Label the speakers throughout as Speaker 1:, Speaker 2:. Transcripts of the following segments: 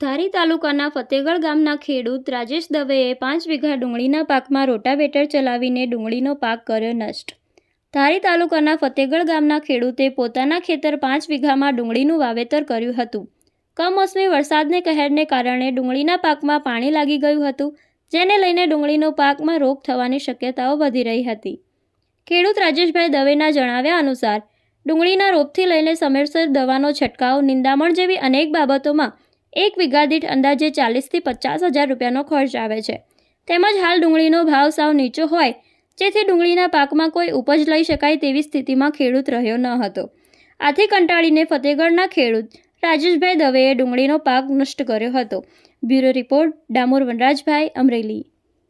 Speaker 1: ધારી તાલુકાના ફતેગઢ ગામના ખેડૂત રાજેશ દવેએ 5 વીઘા ડુંગળીના પાકમાં રોટાવેટર ચલાવીને ડુંગળીનો પાક કર્યો નષ્ટ। ધારી તાલુકાના ફતેગઢ ગામના ખેડૂતે પોતાના ખેતર 5 વીઘામાં ડુંગળીનું વાવેતર કર્યું હતું। કમોસમી વરસાદને કહેરને કારણે ડુંગળીના પાકમાં પાણી લાગી ગયું હતું, જેને લઈને ડુંગળીનો પાકમાં રોગ થવાની શક્યતાઓ વધી રહી હતી। ખેડૂત રાજેશભાઈ દવેના જણાવ્યા અનુસાર ડુંગળીના રોગથી લઈને સમયસર દવાનો છંટકાવ, નિંદામણ જેવી અનેક બાબતોમાં 1 વીઘા દીઠ અંદાજે 40,000 થી 50,000 રૂપિયાનો ખર્ચ આવે છે। તેમજ હાલ ડુંગળીનો ભાવ સાવ નીચો હોય, જેથી ડુંગળીના પાકમાં કોઈ ઉપજ લઈ શકાય તેવી સ્થિતિમાં ખેડૂત રહ્યો ન હતો। આથી કંટાળીને ફતેગઢના ખેડૂત રાજેશભાઈ દવેએ ડુંગળીનો પાક નષ્ટ કર્યો હતો। Bureau report, Damor Vanrajbhai, Amreli.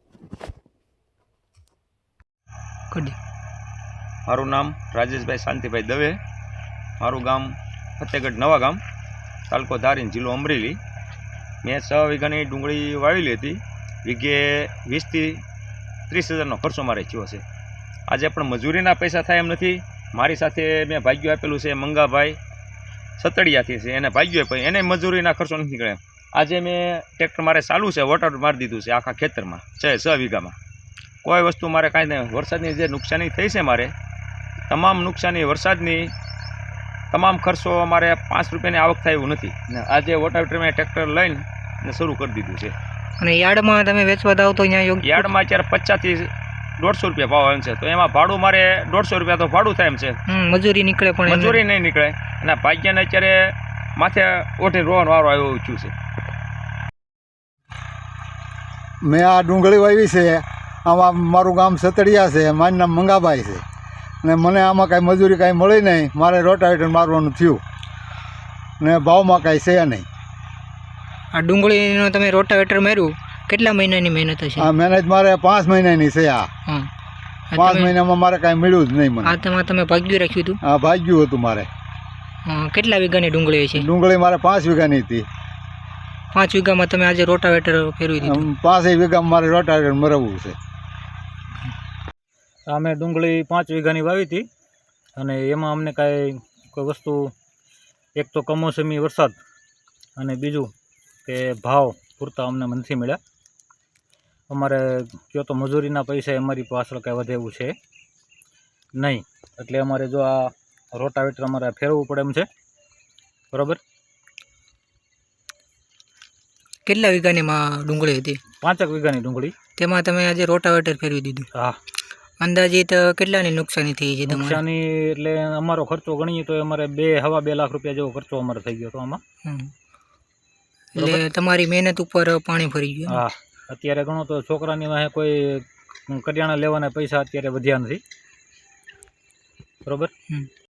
Speaker 2: મારું નામ રાજેશભાઈ શાંતિભાઈ દવે, મારું ગામ ફતેગઢ નવા ગામ, તાલુકો ધારી, જિલ્લો અમરેલી। મેં 6 વીઘાની ડુંગળી વાવેલી હતી। વીઘે 20,000 થી 30,000નો ખર્ચો મારે થયો છે। આજે પણ મજૂરીના પૈસા થાય એમ નથી। મારી સાથે મેં ભાગ્યું આપેલું છે મંગાભાઈ સતડિયાથી છે, એને ભાગ્યું આપ્યું, એને મજૂરીના ખર્ચો નથી નીકળે। આજે મેં ટ્રેક્ટર મારે ચાલુ છે, વોટર મારી દીધું છે આખા ખેતરમાં 6 વીઘામાં। કોઈ વસ્તુ મારે કાંઈ નહીં। વરસાદની જે નુકસાની થઈ છે, મારે તમામ નુકસાની વરસાદની તમામ ખર્ચો અમારે 5 રૂપિયાની આવક થાય એવું નથી ને આજે વોટાવેટર મેં ટ્રેક્ટર લઈને શરૂ કરી દીધું છે।
Speaker 3: અને યાર્ડમાં તમે વેચવા દાવ તો અહીંયા યોગ્ય
Speaker 2: યાર્ડમાં અત્યારે 50 થી 150 રૂપિયા ભાવ આવે છે, તો એમાં ભાડું મારે 150 રૂપિયા તો ભાડું થાય એમ છે।
Speaker 3: મજૂરી નીકળે પણ
Speaker 2: મજૂરી નહીં નીકળે અને ભાગ્યને અત્યારે માથે ઓઠે રોવાનો વારો આવ્યો છું છે।
Speaker 4: મેં આ ડુંગળી વાવી છે, આમાં મારું ગામ સતડિયા છે, મારું નામ મંગાભાઈ છે ને મને આમાં કાંઈ મજૂરી કાંઈ મળી નહીં। મારે રોટાવેટર મારવાનું થયું ને ભાવમાં કાંઈ છે નહીં।
Speaker 3: આ ડુંગળીનો તમે રોટાવેટર માર્યું, કેટલા મહિનાની મહેનત હશે?
Speaker 4: આ મહેનત મારે 5 મહિનાની છે। આ 5 મહિનામાં મારે કાંઈ મળ્યું જ નહીં મને।
Speaker 3: આ તમે ભાગ્યું રાખ્યું હતું?
Speaker 4: હા, ભાગ્યું હતું મારે।
Speaker 3: કેટલા વીઘાની ડુંગળી છે?
Speaker 4: ડુંગળી મારે 5 વીઘાની હતી।
Speaker 3: 5 વીઘામાં તમે આજે રોટાવેટર ફેરવી દીધું?
Speaker 4: 5 વીઘામાં મારે રોટાવેટર મરવવું છે।
Speaker 5: અમે ડુંગળી 5 વીઘાની વાવી હતી અને એમાં અમને કોઈ વસ્તુ, એક તો કમોસમી વરસાદ અને બીજું કે ભાવ પૂરતા અમને નથી મળ્યા। અમારે કયો તો મજૂરીના પૈસા અમારી પાછળ કાંઈ વધે એવું છે નહીં, એટલે અમારે જો આ રોટાવેટર અમારે ફેરવવું પડે એમ છે, બરાબર।
Speaker 3: કેટલા વીઘાની ડુંગળી હતી? 5
Speaker 5: વીઘાની ડુંગળી,
Speaker 3: તેમાં તમે આજે રોટાવેટર ફેરવી દીધું?
Speaker 5: હા।
Speaker 3: અંદાજિત કેટલાની નુકસાની થઈ છે?
Speaker 5: નુકસાની એટલે અમારો ખર્ચો ગણીએ તો અમારે 2-2.5 લાખ રૂપિયા જેવો ખર્ચો અમારે થઈ ગયો હતો આમાં।
Speaker 3: એટલે તમારી મહેનત ઉપર પાણી ફરી ગયું?
Speaker 5: હા, અત્યારે ગણો તો છોકરાની વાહે કોઈ કરિયાણા લેવાના પૈસા અત્યારે વધ્યા નથી, બરાબર।